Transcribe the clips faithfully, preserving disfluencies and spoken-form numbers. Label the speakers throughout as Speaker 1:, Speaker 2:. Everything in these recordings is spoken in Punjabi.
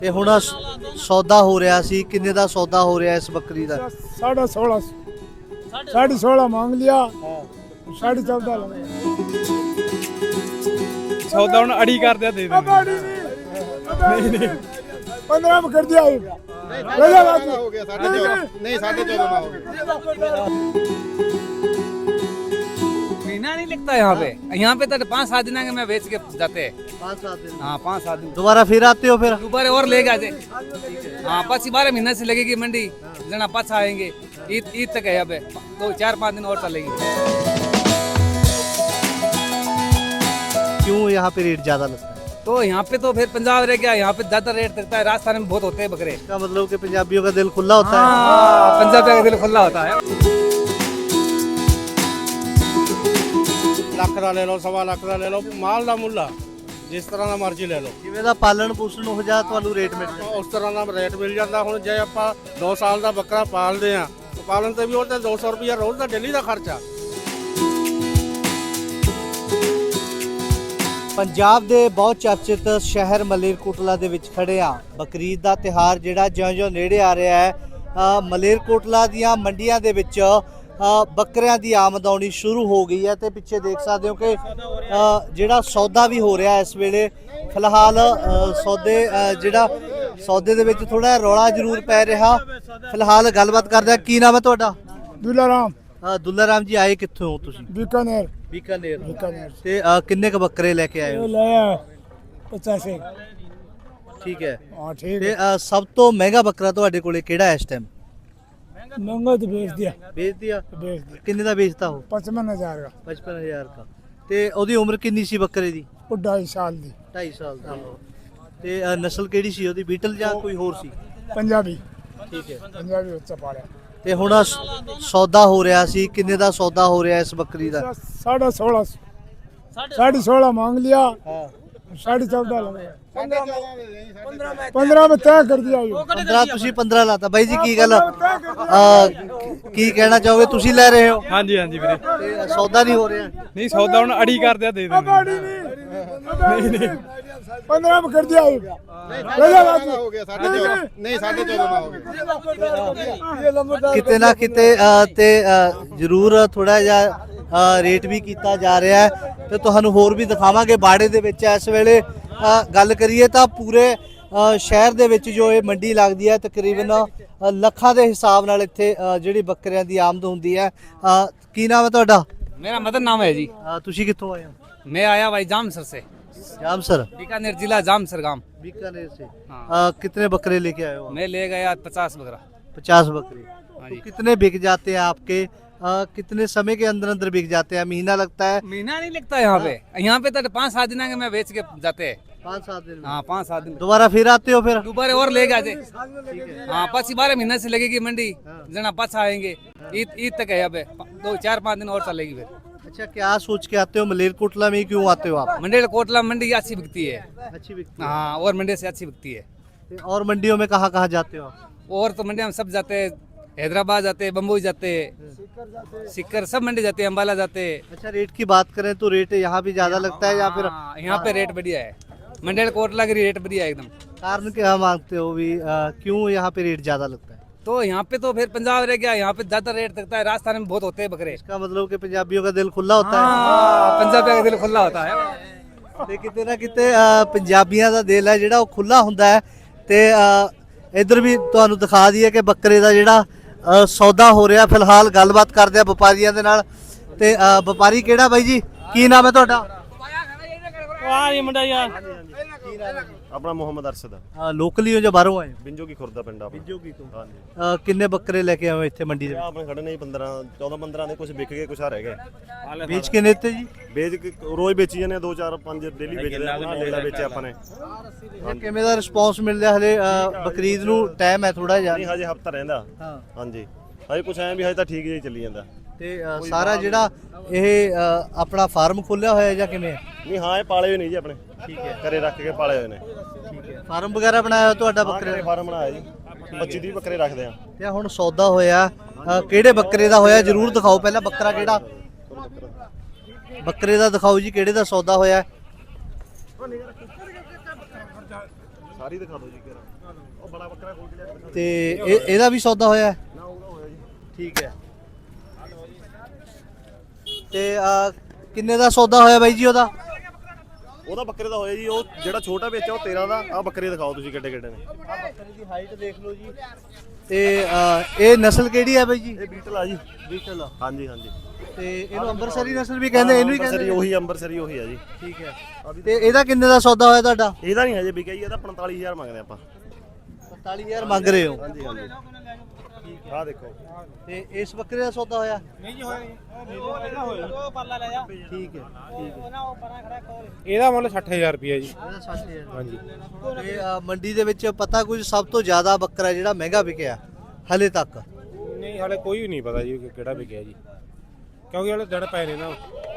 Speaker 1: ਤੇ ਹੁਣ ਸੌਦਾ ਹੋ ਰਿਹਾ ਸੀ, ਕਿੰਨੇ ਦਾ ਸੌਦਾ ਹੋ ਰਿਹਾ ਇਸ ਬੱਕਰੀ ਦਾ?
Speaker 2: साढ़े सोलह साढ़े सोलह मांग लिया, साढ़े चौदह लगा।
Speaker 3: सौदा ਹੁਣ ਅੜੀ ਕਰਦੇ ਆ ਦੇ ਦੇ
Speaker 2: नहीं नहीं पंद्रह में कर दिया, ले जा बाकी।
Speaker 4: हो गया साढ़े चौदह, नहीं साढ़े चौदह में हो गया।
Speaker 5: महीना नहीं लगता यहाँ पे, यहाँ पे तो पाँच सात दिन के मैं बेच के जाते हैं।
Speaker 1: पाँच सात दिन
Speaker 5: हाँ पाँच सात दिन
Speaker 1: दोबारा फिर आते हो फिर?
Speaker 5: दोबारा और ले जाते। हाँ पच्चीस बारह महीने से लगेगी मंडी, जना पाँच आएंगे ईद ईद तक है यहाँ पे, तो चार पाँच दिन और चलेगी।
Speaker 1: क्यों यहाँ पे रेट ज्यादा लगता है?
Speaker 5: तो यहाँ पे तो फिर पंजाब रह गया, यहाँ पे ज्यादा रेट लगता है, राजस्थान में बहुत होते हैं बकरे।
Speaker 1: इसका मतलब कि पंजाबियों का दिल खुला होता है।
Speaker 5: हाँ पंजाब का दिल खुला होता है।
Speaker 4: ਲੱਖ ਦਾ ਲੈ ਲਓ, ਸਵਾ ਲੱਖ ਦਾ ਲੈ ਲਓ, ਮਾਲ ਦਾ ਮੁੱਲ ਆ, ਜਿਸ ਤਰ੍ਹਾਂ ਦਾ ਮਰਜ਼ੀ ਲੈ ਲਓ,
Speaker 1: ਜਿਵੇਂ ਦਾ ਪਾਲਣ ਪੋਸ਼ਣ ਹੋ ਜਾ ਤੁਹਾਨੂੰ ਰੇਟ ਮਿਲ ਜਾਂਦਾ।
Speaker 4: ਉਸ ਤਰ੍ਹਾਂ ਦਾ ਰੇਟ ਮਿਲ ਜਾਂਦਾ। ਹੁਣ ਜੇ ਆਪਾਂ ਦੋ ਸਾਲ ਦਾ ਬੱਕਰਾ ਪਾਲਦੇ ਆ, ਪਾਲਣ ਤੇ ਵੀ ਉਹ ਤੇ ਦੋ ਸੌ ਰੁਪਇਆ ਰੋਜ਼ ਦਾ ਡੇਲੀ ਦਾ ਖਰਚਾ।
Speaker 1: ਪੰਜਾਬ ਦੇ ਬਹੁਤ ਚਰਚਿਤ ਸ਼ਹਿਰ ਮਲੇਰਕੋਟਲਾ ਦੇ ਵਿੱਚ ਖੜੇ ਆ। ਬਕਰੀਦ ਦਾ ਤਿਹਾਰ ਜਿਹੜਾ ਜਿਉਂ-ਜਿਉਂ ਨੇੜੇ ਆ ਰਿਹਾ ਹੈ, ਅ, ਮਲੇਰਕੋਟਲਾ ਦੀਆਂ ਮੰਡੀਆਂ ਦੇ ਵਿੱਚ ਅ, ਬੱਕਰਿਆਂ ਦੀ ਆਮਦ ਆਉਣੀ ਸ਼ੁਰੂ ਹੋ ਗਈ ਹੈ ਤੇ ਪਿੱਛੇ ਦੇਖ ਸਕਦੇ ਹੋ ਕਿ ਅ, ਜਿਹੜਾ ਸੌਦਾ ਵੀ ਹੋ ਰਿਹਾ ਇਸ ਵੇਲੇ। ਫਿਲਹਾਲ ਅ, ਸੌਦੇ ਅ, ਜਿਹੜਾ ਸੌਦੇ ਦੇ ਵਿੱਚ ਥੋੜਾ ਰੌਲਾ ਜ਼ਰੂਰ ਪੈ ਰਿਹਾ। ਫਿਲਹਾਲ ਗੱਲਬਾਤ ਕਰਦੇ ਆ। ਕੀ ਨਾਮ ਹੈ ਤੁਹਾਡਾ?
Speaker 2: दूल्हा राम
Speaker 1: ਅ, ਦੁੱਲਾ ਰਾਮ ਜੀ, ਆਏ ਕਿੱਥੋਂ ਹੋ ਤੁਸੀਂ?
Speaker 2: बीकानेर
Speaker 1: ਬੀਕਾਨੇਰ।
Speaker 2: बीकानेर
Speaker 1: ਤੇ ਅ, ਕਿੰਨੇ ਕ ਬੱਕਰੇ ਲੈ ਕੇ ਆਏ
Speaker 2: ये
Speaker 1: ਹੋ?
Speaker 2: लाया पचास एक।
Speaker 1: ਠੀਕ ਹੈ।
Speaker 2: हाँ ठीक
Speaker 1: ਤੇ
Speaker 2: है,
Speaker 1: ਅ, ਸਭ ਤੋਂ ਮਹਿੰਗਾ ਬੱਕਰਾ ਤੁਹਾਡੇ ਕੋਲੇ ਕਿਹੜਾ ਹੈ ਇਸ ਟਾਈਮ?
Speaker 2: महंगा तो बेच दिया,
Speaker 1: ਵੇਚ ਦਿਆ।
Speaker 2: बेच दिया
Speaker 1: ਕਿੰਨੇ ਦਾ ਵੇਚਤਾ ਉਹ?
Speaker 2: पचपन हजार का।
Speaker 1: पचपन हज़ार का। ਤੇ ਉਹਦੀ ਉਮਰ ਕਿੰਨੀ ਸੀ ਬੱਕਰੇ ਦੀ?
Speaker 2: वो ढाई साल दी।
Speaker 1: ਢਾਈ ਸਾਲ ਦਾ। ਤੇ ਅ, ਨਸਲ ਕਿਹੜੀ ਸੀ ਉਹਦੀ? ਬੀਟਲ ਜਾਂ ਕੋਈ ਹੋਰ ਸੀ?
Speaker 2: पंजाबी
Speaker 1: ਠੀਕ ਹੈ।
Speaker 2: पंजाबी बच्चा पाला।
Speaker 1: ਤੇ ਹੁਣ ਸ- ਸੌਦਾ ਹੋ ਰਿਹਾ ਸੀ, ਕਿੰਨੇ ਦਾ ਸੌਦਾ ਹੋ ਰਿਹਾ ਇਸ ਬੱਕਰੀ ਦਾ?
Speaker 2: साढ़े सोलह साढ़े सोलह मांग लिया,
Speaker 1: ਹਾਂ
Speaker 2: साढ़े चौदह लगा। पंद्रह में तय कर दिया ये।
Speaker 1: ਪੰਦਰਾਂ ਤੁਸੀਂ ਪੰਦਰਾਂ ਲਾਤਾ। ਬਾਈ ਜੀ ਕੀ ਗੱਲ ਅ, ਕੀ ਕਹਿਣਾ ਚਾਹੋਗੇ? ਤੁਸੀਂ ਲੈ ਰਹੇ ਹੋ
Speaker 3: ਹਾਂਜੀ ਹਾਂਜੀ ਵੀਰੇ,
Speaker 1: ਤੇ ਸੌਦਾ ਨਹੀਂ ਹੋ ਰਿਹਾ?
Speaker 3: ਨਹੀਂ ਸੌਦਾ ਹੁਣ ਅੜੀ ਕਰਦੇ ਆ ਦੇ ਦੇ
Speaker 2: नहीं नहीं पंद्रह में कर दिया ये। ले जा बाकी।
Speaker 4: ਹੋ ਗਿਆ ਸਾਢੇ ਚੌਦਹ, ਨਹੀਂ ਸਾਢੇ ਚੌਦਹ में हो गया।
Speaker 2: ये लंबा
Speaker 1: ਕਿਤੇ ਨਾ ਕਿਤੇ ਅ, ਤੇ ਅ, ਜ਼ਰੂਰ ਥੋੜਾ ਜਿਹਾ ਅ, ਰੇਟ ਵੀ ਕੀਤਾ ਜਾ ਰਿਹਾ ਹੈ ਤੇ ਤੁਹਾਨੂੰ ਹੋਰ ਵੀ ਦਿਖਾਵਾਂਗੇ ਬਾੜੇ ਦੇ ਵਿੱਚ। ਇਸ ਵੇਲੇ ਅ, ਗੱਲ ਕਰੀਏ ਤਾਂ ਪੂਰੇ ਅ, ਸ਼ਹਿਰ ਦੇ ਵਿੱਚ ਜੋ ਇਹ ਮੰਡੀ ਲੱਗਦੀ ਹੈ, ਤਕਰੀਬਨ ਅ, ਲੱਖਾਂ ਦੇ ਹਿਸਾਬ ਨਾਲ ਇੱਥੇ ਅ, ਜਿਹੜੀ ਬੱਕਰਿਆਂ ਦੀ ਆਮਦ ਹੁੰਦੀ ਹੈ। ਅ, ਕੀ ਨਾਮ ਹੈ ਤੁਹਾਡਾ?
Speaker 5: मेरा मदन नाम है जी।
Speaker 1: ਅ, ਤੁਸੀਂ ਕਿੱਥੋਂ ਆਏ ਹੋ?
Speaker 5: मैं आया भाई जामसर से,
Speaker 1: जामसर,
Speaker 5: बीकानेर जिला जामसर गांव।
Speaker 1: बीकानेर से।
Speaker 5: हाँ।
Speaker 1: अ, कितने बकरे लेके आए हो?
Speaker 5: मैं ले गया पचास बकरा।
Speaker 1: पचास बकरे।
Speaker 5: हाँ
Speaker 1: तो
Speaker 5: जी।
Speaker 1: कितने बिक जाते हैं आपके? अ, कितने समय के अंदर अंदर बिक जाते हैं? महीना लगता है?
Speaker 5: महीना नहीं लगता यहाँ पे, यहाँ पे तो पाँच सात दिन के मैं बेच के जाते हैं।
Speaker 1: पाँच सात दिन में।
Speaker 5: हाँ पाँच सात दिन
Speaker 1: दोबारा फिर आते हो फिर?
Speaker 5: दोबारा और ले जाते। हाँ पच्चीस बारह महीने से लगेगी मंडी, जना पाँच आएंगे ईद ईद तक है यहाँ पे, दो चार पाँच दिन और चलेगी फिर।
Speaker 1: अच्छा, क्या सोच के आते हो? मलेरकोटला में ही क्यों आते हो आप?
Speaker 5: मंडी कोटला मंडी अच्छी बिकती है।
Speaker 1: अच्छी बिकती है।
Speaker 5: हाँ और मंडी से अच्छी बिकती है।
Speaker 1: और मंडियों में कहाँ कहाँ जाते हो आप?
Speaker 5: और तो मंडी में सब जाते हैं, हैदराबाद जाते हैं, बम्बई जाते हैं, सिक्कर सब मंडी जाते हैं, अम्बाला जाते हैं।
Speaker 1: अच्छा, रेट की बात करें तो रेट यहाँ भी ज्यादा लगता है या फिर
Speaker 5: हाँ, यहाँ पे रेट बढ़िया है, मंडी कोटला की रेट बढ़िया है एकदम।
Speaker 1: कारण क्या मांगते हो भी? अ, क्यों यहाँ पे रेट ज्यादा लगता है?
Speaker 5: तो यहाँ पे तो फिर पंजाब रह गया, यहाँ पे ज्यादा रेट लगता है, राजस्थान में बहुत होते हैं बकरे।
Speaker 1: इसका मतलब कि पंजाबियों का दिल खुला होता है।
Speaker 5: हाँ पंजाब का दिल खुला होता है।
Speaker 1: ਤੇ ਕਿਤੇ ਨਾ ਕਿਤੇ ਅ, ਪੰਜਾਬੀਆਂ ਦਾ ਦਿਲ ਹੈ ਜਿਹੜਾ ਉਹ ਖੁੱਲਾ ਹੁੰਦਾ ਹੈ। ਤੇ ਅ, ਇੱਧਰ ਵੀ ਤੁਹਾਨੂੰ ਦਿਖਾ ਦਈਏ ਕਿ ਬੱਕਰੇ ਦਾ ਜਿਹੜਾ ਅ, ਸੌਦਾ ਹੋ ਰਿਹਾ। ਫਿਲਹਾਲ ਗੱਲਬਾਤ ਕਰਦੇ ਆ ਵਪਾਰੀਆਂ ਦੇ ਨਾਲ। ਤੇ ਅ, ਵਪਾਰੀ ਕਿਹੜਾ ਬਾਈ ਜੀ? ਕੀ ਨਾਮ ਹੈ ਤੁਹਾਡਾ?
Speaker 6: ਆਪਣਾ ਮੁਹੰਮਦ ਅਰਸ਼ਦ
Speaker 1: ਅ, ਲੋਕਲੀ ਹੋ ਜਾਂ ਬਾਹਰੋਂ ਆਏ ਹੋ?
Speaker 6: ਬਿੰਜੋ ਕੀ ਖੁਰਦਾ ਪਿੰਡ ਆਪਣਾ
Speaker 1: ਬਿੰਜੋਗੀ ਤੋਂ।
Speaker 6: ਹਾਂਜੀ
Speaker 1: ਅ, ਕਿੰਨੇ ਬੱਕਰੇ ਲੈ ਕੇ ਆਏ ਹੋ ਇੱਥੇ ਮੰਡੀ ਦੇ
Speaker 6: ਇਹ ਆਪਣੇ ਖੜੇ ਨੇ ਪੰਦਰਾਂ ਚੌਦਾਂ ਪੰਦਰਾਂ ਦੇ, ਕੁਝ ਵਿਕ ਗਏ ਕੁਝ ਆ ਰਹਿ ਗਏ।
Speaker 1: ਵਿੱਚ? ਵੇਚ ਕੇ ਦਿੱਤੇ ਜੀ?
Speaker 6: ਵੇਚ ਕੇ ਰੋਜ਼ ਵੇਚੀ ਜਾਂਦੇ, ਦੋ ਚਾਰ ਪੰਜ ਡੇਲੀ ਵੇਚਦੇ ਆ। ਆਪਣਾ ਲੇਲਾ ਵੇਚਿਆ ਆਪਾਂ ਨੇ।
Speaker 1: ਇਹ ਕਿਵੇਂ ਦਾ ਰਿਸਪੌਂਸ ਮਿਲ ਰਿਹਾ? ਹਲੇ ਅ, ਬਕਰੀਦ ਨੂੰ ਟਾਈਮ ਹੈ ਥੋੜਾ ਜਿਹਾ।
Speaker 6: ਨਹੀਂ ਹਜੇ ਹਫਤਾ ਰਹਿੰਦਾ।
Speaker 1: ਹਾਂ।
Speaker 6: ਹਾਂਜੀ ਹਜੇ ਕੁਝ ਐਂ ਵੀ ਹਜੇ ਤਾਂ ਠੀਕ ਜਿਹਾ ਹੀ ਚੱਲੀ ਜਾਂਦਾ।
Speaker 1: ਤੇ ਅ, ਸਾਰਾ ਜਿਹੜਾ ਇਹ ਅ, ਆਪਣਾ ਫਾਰਮ ਖੋਲਿਆ ਹੋਇਆ ਜਾਂ ਕਿਵੇਂ?
Speaker 6: ਨਹੀਂ ਹਾਂ ਇਹ ਪਾਲੇ ਹੋਏ ਨਹੀਂ ਜੀ ਆਪਣੇ,
Speaker 1: ਠੀਕ ਹੈ।
Speaker 6: ਘਰੇ ਰੱਖ ਕੇ ਪਾਲੇ ਹੋਏ ਨੇ।
Speaker 1: ਠੀਕ ਹੈ। ਫਾਰਮ ਵਗੈਰਾ ਬਣਾਇਆ ਹੋਇਆ ਤੁਹਾਡਾ ਬੱਕਰੇ ਦਾ?
Speaker 6: ਫਾਰਮ ਬਣਾਇਆ ਜੀ, ਪੱਚੀ ਤੀਹ ਬੱਕਰੇ ਰੱਖਦੇ ਆ।
Speaker 1: ਤੇ ਹੁਣ ਸੌਦਾ ਹੋਇਆ ਅ, ਕਿਹੜੇ ਬੱਕਰੇ ਦਾ ਹੋਇਆ ਜ਼ਰੂਰ ਦਿਖਾਓ। ਪਹਿਲਾਂ ਬੱਕਰਾ ਕਿਹੜਾ? ਬੱਕਰੇ ਦਾ ਦਿਖਾਓ ਜੀ, ਕਿਹੜੇ ਦਾ ਸੌਦਾ ਹੋਇਆ?
Speaker 6: ਸਾਰੀ ਦਿਖਾ ਦਿਓ ਜੀ। ਉਹ ਬੜਾ ਬੱਕਰਾ ਖੋਲ ਕੇ ਲਿਆ ਕੇ
Speaker 1: ਤੇ ਇਹ ਇਹਦਾ ਵੀ ਸੌਦਾ ਹੋਇਆ ਹੈ?
Speaker 6: ਨਾ ਉਹਦਾ ਹੋਇਆ ਜੀ।
Speaker 1: ਠੀਕ ਹੈ। ਤੇ ਆ ਕਿੰਨੇ ਦਾ ਸੌਦਾ ਹੋਇਆ ਬਾਈ ਜੀ ਉਹਦਾ?
Speaker 6: ਉਹਦਾ ਬੱਕਰੇ ਦਾ ਹੋਇਆ ਜੀ, ਉਹ ਜਿਹੜਾ ਛੋਟਾ ਵੇਚਿਆ ਉਹ ਤੇਰਾਂ ਦਾ। ਆ ਬੱਕਰੇ ਦਿਖਾਓ ਤੁਸੀਂ ਕਿੱਡੇ ਕਿੱਡੇ ਨੇ।
Speaker 1: ਬੱਕਰੇ ਦੀ ਹਾਈਟ ਦੇਖ ਲਓ ਜੀ। ਤੇ ਆ, ਇਹ ਨਸਲ ਕਿਹੜੀ ਹੈ ਬਾਈ ਜੀ?
Speaker 6: ਇਹ ਬੀਟਲ ਆ ਜੀ।
Speaker 1: ਬੀਟਲ।
Speaker 6: ਹਾਂਜੀ ਹਾਂਜੀ।
Speaker 1: ਤੇ ਇਹਨੂੰ ਅੰਬਰਸਰੀ ਨਸਲ ਵੀ ਕਹਿੰਦੇ, ਇਹਨੂੰ ਹੀ
Speaker 6: ਅੰਬਰਸਰੀ
Speaker 1: ਕਹਿੰਦੇ?
Speaker 6: ਉਹੀ ਅੰਬਰਸਰੀ ਉਹੀ ਆ ਜੀ।
Speaker 1: ਠੀਕ ਹੈ। ਤੇ ਇਹਦਾ ਕਿੰਨੇ ਦਾ ਸੌਦਾ ਹੋਇਆ ਤੁਹਾਡਾ?
Speaker 6: ਇਹਦਾ ਨਹੀਂ ਹਜੇ ਵਿਕਿਆ ਜੀ, ਇਹਦਾ ਪੰਤਾਲੀ ਹਜ਼ਾਰ ਮੰਗਦੇ ਆਪਾਂ।
Speaker 1: ਪੰਤਾਲੀ ਹਜ਼ਾਰ ਮੰਗ ਰਹੇ ਹੋ?
Speaker 6: ਹਾਂਜੀ ਹਾਂਜੀ। ਆਹ ਦੇਖੋ।
Speaker 1: ਤੇ ਇਸ ਬੱਕਰੇ ਦਾ ਸੌਦਾ ਹੋਇਆ?
Speaker 5: नहीं जी होया वो परला ले जा
Speaker 1: ਠੀਕ ਹੈ, ਠੀਕ ਹੈ।
Speaker 5: ना वो परा खड़ा खोल
Speaker 3: ਇਹਦਾ ਮੁੱਲ ਸੱਠ ਹਜ਼ਾਰ ਰੁਪਏ ਜੀ।
Speaker 1: ਇਹਦਾ ਸੱਠ ਹਜ਼ਾਰ।
Speaker 3: ਹਾਂਜੀ।
Speaker 1: ਤੇ ਆ, ਮੰਡੀ ਦੇ ਵਿੱਚ ਪਤਾ ਕੁਝ ਸਭ ਤੋਂ ਜ਼ਿਆਦਾ ਬੱਕਰਾ ਜਿਹੜਾ ਮਹਿੰਗਾ ਵਿਕਿਆ ਹਲੇ ਤੱਕ?
Speaker 3: ਨਹੀਂ ਹਾਲੇ ਕੋਈ ਵੀ ਨਹੀਂ ਪਤਾ ਜੀ ਕਿ ਕਿਹੜਾ ਵਿਕਿਆ ਜੀ, ਕਿਉਂਕਿ ਹਲੇ ਦਿਨ ਪਏ ਨੇ ਨਾ,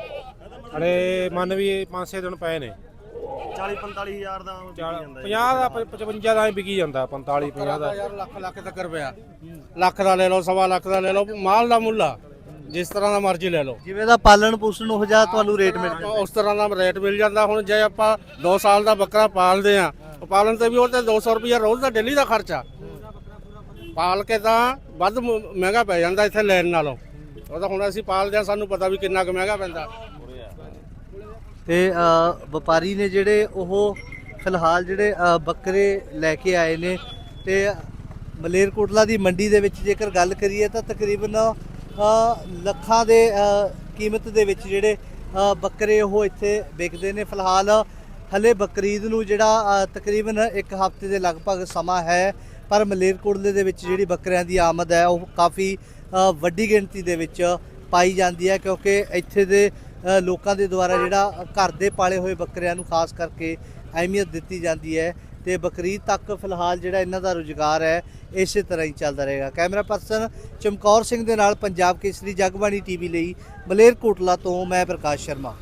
Speaker 3: ਹਲੇ ਮੰਨ ਵੀ ਪੰਜ ਛੇ ਦਿਨ ਪਏ ਨੇ।
Speaker 6: ਚਾਲੀ ਪੰਤਾਲੀ ਹਜ਼ਾਰ ਦਾ ਵਿਕੀ ਜਾਂਦਾ ਜੀ।
Speaker 3: ਪੰਜਾਹ ਦਾ ਪ- ਪਚਵੰਜਾ ਦਾ ਹੀ ਵਿਕੀ ਜਾਂਦਾ, ਪੰਤਾਲੀ ਪੰਜਾਹ ਦਾ।
Speaker 4: ਯਾਰ ਲੱਖ ਲੱਖ ਤੱਕ ਰੁਪਇਆ, ਲੱਖ ਦਾ ਲੈ ਲਓ, ਸਵਾ ਲੱਖ ਦਾ ਲੈ ਲਓ, ਮਾਲ ਦਾ ਮੁੱਲ ਆ, ਜਿਸ ਤਰ੍ਹਾਂ ਦਾ ਮਰਜ਼ੀ ਲੈ ਲਓ,
Speaker 1: ਜਿਵੇਂ ਦਾ ਪਾਲਣ ਪੋਸ਼ਣ ਹੋ ਜਾ ਤੁਹਾਨੂੰ ਰੇਟ ਮਿਲ ਜਾਂਦਾ?
Speaker 4: ਉਸ ਤਰ੍ਹਾਂ ਦਾ ਰੇਟ ਮਿਲ ਜਾਂਦਾ। ਹੁਣ ਜੇ ਆਪਾਂ ਦੋ ਸਾਲ ਦਾ ਬੱਕਰਾ ਪਾਲਦੇ ਆ, ਪਾਲਣ ਤੇ ਵੀ ਉਹ ਤੇ ਦੋ ਸੌ ਰੁਪਇਆ ਰੋਜ਼ ਦਾ ਡੇਲੀ ਦਾ ਖਰਚਾ, ਪਾਲ ਕੇ ਤਾਂ ਵੱਧ ਮ- ਮਹਿੰਗਾ ਪੈ ਜਾਂਦਾ ਇੱਥੇ ਲੈਣ ਨਾਲੋਂ। ਉਹ ਤਾਂ ਹੁਣ ਅਸੀਂ ਪਾਲਦੇ ਆ, ਸਾਨੂੰ ਪਤਾ ਵੀ ਕਿੰਨਾ ਕੁ ਮਹਿੰਗਾ ਪੈਂਦਾ।
Speaker 1: ਤੇ ਅ, ਵਪਾਰੀ ਨੇ ਜਿਹੜੇ ਉਹ ਫਿਲਹਾਲ ਜਿਹੜੇ ਅ, ਬੱਕਰੇ ਲੈ ਕੇ ਆਏ ਨੇ ਤੇ ਮਲੇਰਕੋਟਲਾ ਦੀ ਮੰਡੀ ਦੇ ਵਿੱਚ ਜੇਕਰ ਗੱਲ ਕਰੀਏ ਤਾਂ ਤਕਰੀਬਨ ਅ, ਲੱਖਾਂ ਦੇ ਅ, ਕੀਮਤ ਦੇ ਵਿੱਚ ਜਿਹੜੇ ਅ, ਬੱਕਰੇ ਉਹ ਇੱਥੇ ਵਿਕਦੇ ਨੇ। ਫਿਲਹਾਲ ਹਲੇ ਬਕਰੀਦ ਨੂੰ ਜਿਹੜਾ ਅ, ਤਕਰੀਬਨ ਇੱਕ ਹਫ਼ਤੇ ਦੇ ਲਗਭਗ ਸਮਾਂ ਹੈ, ਪਰ ਮਲੇਰਕੋਟਲੇ ਦੇ ਵਿੱਚ ਜਿਹੜੀ ਬੱਕਰਿਆਂ ਦੀ ਆਮਦ ਹੈ ਉਹ ਕਾਫੀ ਅ, ਵੱਡੀ ਗਿਣਤੀ ਦੇ ਵਿੱਚ ਪਾਈ ਜਾਂਦੀ ਹੈ, ਕਿਉਂਕਿ ਇੱਥੇ ਦੇ ਅ, ਲੋਕਾਂ ਦੇ ਦੁਆਰਾ ਜਿਹੜਾ ਘਰ ਦੇ ਪਾਲੇ ਹੋਏ ਬੱਕਰਿਆਂ ਨੂੰ ਖਾਸ ਕਰਕੇ ਅਹਿਮੀਅਤ ਦਿੱਤੀ ਜਾਂਦੀ ਹੈ। ਤੇ ਬਕਰੀਦ ਤੱਕ ਫਿਲਹਾਲ ਜਿਹੜਾ ਇਹਨਾਂ ਦਾ ਰੁਜ਼ਗਾਰ ਹੈ ਇਸੇ ਤਰ੍ਹਾਂ ਹੀ ਚੱਲਦਾ ਰਹੇਗਾ। ਕੈਮਰਾ ਪਰਸਨ ਚਮਕੌਰ ਸਿੰਘ ਦੇ ਨਾਲ ਪੰਜਾਬ ਕੇਸਰੀ ਜਗਬਾਣੀ ਟੀਵੀ ਲਈ ਮਲੇਰਕੋਟਲਾ ਤੋਂ ਮੈਂ ਪ੍ਰਕਾਸ਼ ਸ਼ਰਮਾ।